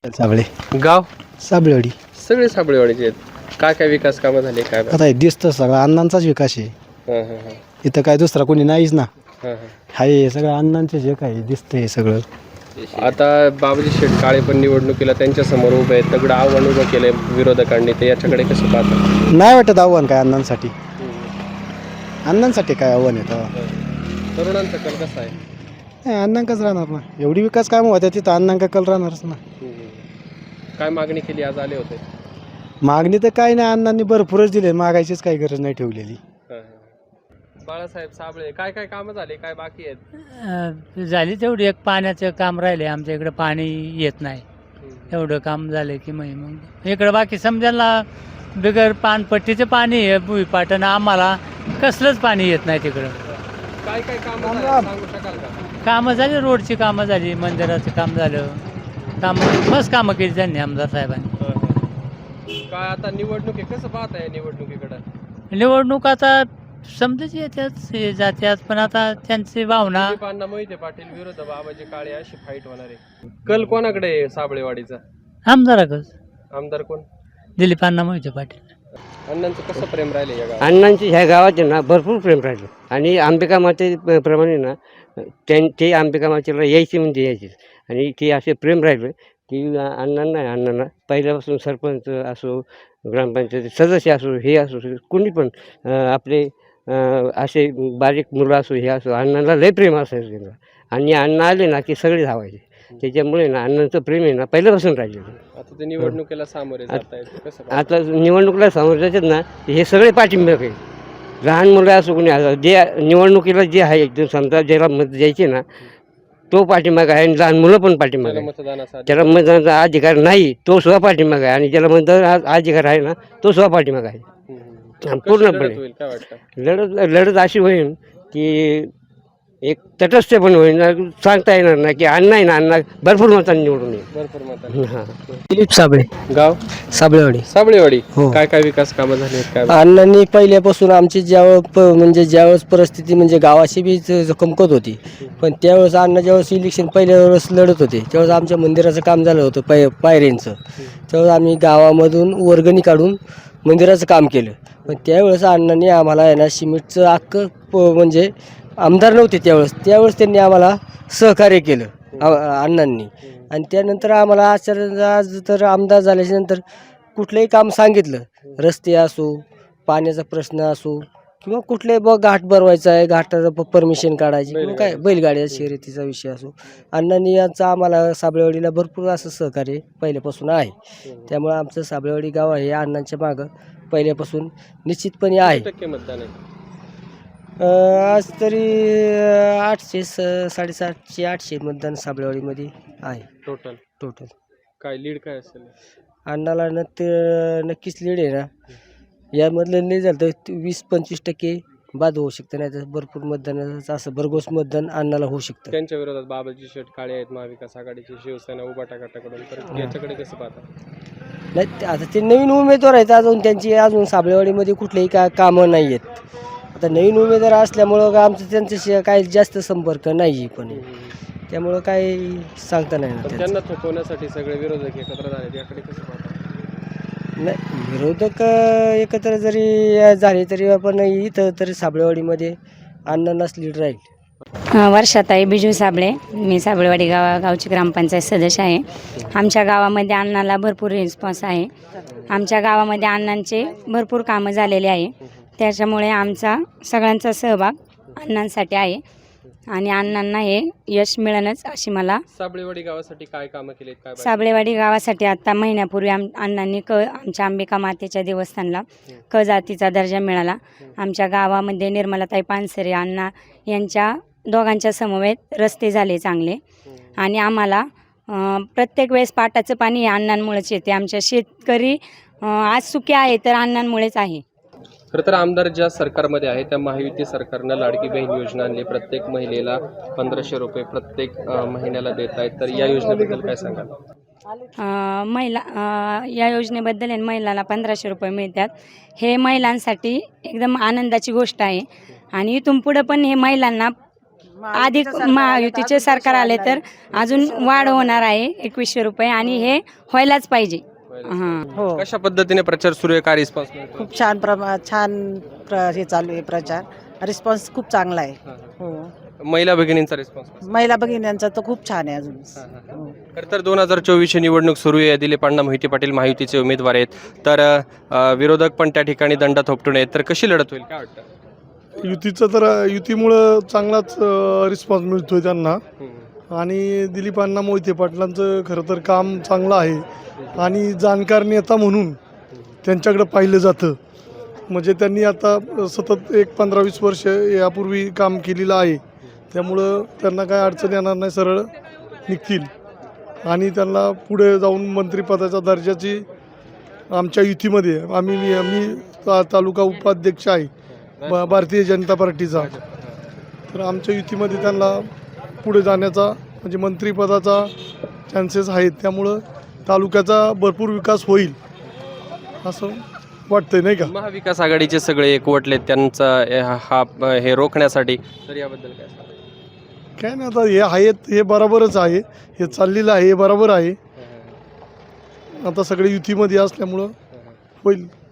साबळे गाव साबळेवाडी. सगळे साबळेवाडीचे आहेत. काय काय विकास कामं झाले काय आता हे दिसतं सगळं अण्णांचाच विकास आहे. हां हां हां इथं काय दुसरा कोणी नाहीच ना. हां हां. हाय हे सगळं अण्णांचे जे काय दिसतंय हे सगळं. आता बाबाजी शेटकाळे पण निवडणुकीला त्यांच्या समोर उभे आहेत. तगडं आव्हान उभं केलंय विरोधकांनी, ते याच्याकडे कसं पाहतात? नाही वाटत आव्हान काय अण्णांसाठी. अण्णांसाठी काय आव्हान आहे तेव्हा. तरुणांचा कल कसा आहे? नाही, अण्णांकाच राहणार ना. एवढी विकास कामं होत्या तिथं अण्णांका कल राहणारच ना. काय मागणी केली? आज आले होते. मागणी तर काय नाही, अण्णांनी भरपूरच दिले, मागायचीच काही गरज नाही ठेवलेली. बाळासाहेब साबळे काय काय कामं झाले, काय बाकी आहेत? झाली तेवढी एक पाण्याचं काम राहिले. आमच्या इकडे पाणी येत नाही, एवढं काम झालं की मग इकडं बाकी समजायला बिगर पानपट्टीचं पाणी आहे भुईपाटण, आम्हाला कसलंच पाणी येत नाही तिकडं. काय काय कामं झाले सांगू शकाल का? कामं झाली, रोडची कामं झाली, मंदिराचं काम झालं, कामं मस्त कामं केली त्यांनी आमदार साहेबांनी. काय आता निवडणूक आहे, कसं पाहताय निवडणुकीकडं? निवडणूक आता समजाच येत्याच हे जात्यात, पण आता त्यांची भावना दिलीपांना मोहिते पाटील विरुद्ध बाबाजी काळे अशी फाईट होणार आहे. कल कोणाकडे आहे साबळेवाडीचा? आमदाराकच आमदार कोण? दिलीपांना मोहिते पाटील. अण्णांचं कसं प्रेम राहिले या गावात? अण्णांची ह्या गावात ना भरपूर प्रेम राहिलं आणि अंबिका मातेप्रमाणे ना ते अंबिका मातेला यायची म्हणजे यायचीच. आणि ते असे प्रेम राहिलं की अण्णांना पहिल्यापासून सरपंच असो, ग्रामपंचायत सदस्य असो, हे असो, कोणी पण आपले असे बारीक मुलं असो, हे असो, अण्णांना लय प्रेम असायचं त्यांना. आणि अण्णा आले ना की सगळे धावायचे. त्याच्यामुळे ना अण्णांचं प्रेम आहे ना पहिल्यापासून राहिलेलं. आता ते निवडणुकीला सामोरे जात आहेत, कसं पाहता? आता निवडणुकीला सामोरं जातात ना, हे सगळे पाठिंबा आहे. लहान मुलं असो कोणी असो, जे निवडणुकीला जे आहे एकदम समजा ज्याला मत द्यायचे ना तो पाठिंबा आहे, आणि लहान मुलं पण पाठिंबा आहे. मतदानाचा त्याला मतदानाचा अधिकार नाही तो सुद्धा पाठिंबा आहे, आणि ज्याला मतदान अधिकार आहे ना तो सुद्धा पाठिंबा आहे. पूर्णपणे होईल काय वाटतं? लढत अशी होईल की एक तटस्थ पण होईल ना, सांगता येणार ना की अण्णा आहे ना, अण्णा भरपूर मतांनी निवडून येईल. भरपूर मतांनी. हां. दिलीप साबळे गाव साबळेवाडी. साबळेवाडी. हो. काय काय विकास कामं झाली आहेत काय? अण्णांनी पहिल्यापासून आमची ज्यावेळेस परिस्थिती म्हणजे गावाची बी कमकत होती, पण त्यावेळेस अण्णा ज्यावेळेस इलेक्शन पहिल्या वेळेस लढत होते त्यावेळेस आमच्या मंदिराचं काम झालं होतं पायऱ्यांचं. त्यावेळेस आम्ही गावामधून वर्गणी काढून मंदिराचं काम केलं. पण त्यावेळेस अण्णांनी आम्हाला आहे ना सिमेंटचं अख्खं म्हणजे आमदार नव्हते त्यावेळेस त्यांनी आम्हाला सहकार्य केलं अण्णांनी. आणि त्यानंतर आम्हाला आज तर आमदार झाल्याच्या नंतर कुठलंही काम सांगितलं, रस्ते असो, पाण्याचा प्रश्न असो, किंवा कुठलाही घाट भरवायचा आहे, घाटाचं परमिशन काढायची, किंवा काय बैलगाड्या शर्यतीचा विषय असो, अण्णांनी यांचं आम्हाला साबळेवाडीला भरपूर असं सहकार्य पहिल्यापासून आहे. त्यामुळे आमचं साबळेवाडी गाव आहे अण्णांच्या मागं पहिल्यापासून निश्चितपणे आहे. किती टक्के मतदान आहे? आज तरी 800 750-800 मतदान साबळेवाडीमध्ये आहे टोटल. काय लीड काय असेल? अण्णाला नक्कीच लीड आहे ना. यामधलं लीड झालं तर 20-25% बाद होऊ शकतं, नाही तर भरपूर मतदानाचं असं भरघोस मतदान अण्णाला होऊ शकतं. त्यांच्या विरोधात बाबाजी शेटकाळे आहेत, महाविकास आघाडीची शिवसेना उभाटा गटाकडून, तर याच्याकडे कसं पाहता? नाही, आता ते नवीन उमेदवार आहेत, अजून साबळेवाडीमध्ये कुठलेही कामं नाही आहेत. आता नवीन उमेदवार असल्यामुळं आमचं त्यांच्याशी काही जास्त संपर्क नाही, पण त्यामुळं काही सांगता नाही ना. त्यांना थोपवण्यासाठी सगळे विरोधक एकत्र झाले, याकडे कसं पाहता? नाही, विरोधक एकत्र जरी झाले तरी आपण इथं तरी साबळेवाडीमध्ये अण्णांनाच लीड राहील. वर्षाताई बिजू साबळे, मी साबळेवाडी गावची ग्रामपंचायत सदस्य आहे. आमच्या गावामध्ये अण्णाला भरपूर रिस्पॉन्स आहे. आमच्या गावामध्ये अण्णांचे भरपूर कामं झालेले आहे, त्याच्यामुळे आमचा सगळ्यांचा सहभाग अण्णांसाठी आहे आणि अण्णांना हे यश मिळणंच अशी मला. साबळेवाडी गावासाठी काय कामं केली काय? साबळेवाडी गावासाठी आता महिन्यापूर्वी अण्णांनी आमच्या अंबिका मातेच्या देवस्थानला क जातीचा दर्जा मिळाला. आमच्या गावामध्ये निर्मलाताई पानसरे अण्णा यांच्या दोघांच्या समवेत रस्ते झाले चांगले, आणि आम्हाला प्रत्येक वेळेस पाटाचं पाणी हे अण्णांमुळेच येते. आमच्या शेतकरी आज सुखी आहे तर अण्णांमुळेच आहे. खरं तर आमदार ज्या सरकारमध्ये आहे त्या महायुती सरकारनं लाडकी बहीण योजना आणली, प्रत्येक महिलेला 1500 रुपये प्रत्येक महिन्याला देत आहेत, तर या योजनेबद्दल काय सांगाल? या योजनेबद्दल महिलांना 1500 रुपये मिळतात. हे महिलांसाठी एकदम आनंदाची गोष्ट आहे, आणि इथून पुढं पण हे महिलांना अधिक महायुतीचे सरकार आले तर अजून वाढ होणार आहे 2100 रुपये आणि हे व्हायलाच पाहिजे. हां. हो कशा पद्धतीने प्रचार सुरू आहे, काय रिस्पॉन्स मिळतो? खूप हे चालू आहे प्रचार. रिस्पॉन्स खूप चांगला आहे. हो महिला भगिनींचा रिस्पॉन्स महिला भगिनींचा तर खूप छान आहे अजून. हो. खरं तर 2024 निवडणूक सुरू आहे. दिलीप अण्णा मोहिते पाटील महायुतीचे उमेदवार आहेत, तर विरोधक पण त्या ठिकाणी दंड थोपटून आहेत, तर कशी लढत होईल, काय वाटतं? युतीचं तर युतीमुळं चांगलाच रिस्पॉन्स मिळतोय त्यांना. आणि दिलीप अण्णा मोहिते पाटलांचं खरं तर काम चांगलं आहे आणि जाणकार नेता म्हणून त्यांच्याकडं पाहिलं जातं. म्हणजे त्यांनी आता सतत 15-20 वर्ष यापूर्वी काम केलेलं आहे, त्यामुळं त्यांना काय अडचण येणार नाही, सरळ निघतील. आणि त्यांना पुढे जाऊन मंत्रिपदाच्या दर्जाची आमच्या युतीमध्ये मी तालुका उपाध्यक्ष आहे भारतीय जनता पार्टीचा, तर आमच्या युतीमध्ये त्यांना पुढे जाण्याचा म्हणजे मंत्रिपदाचा चान्सेस आहेत. त्यामुळं तालुक्याचा भरपूर विकास होईल असं वाटतंय, नाही का? महाविकास आघाडीचे सगळे एकवटले त्यांचा हे रोखण्यासाठी, तर याबद्दल काय सांगाल? काय नाही, आता हे आहेत हे बरोबरच आहे, हे चाललेलं आहे हे बरोबर आहे. आता सगळे युतीमध्ये असल्यामुळं होईल.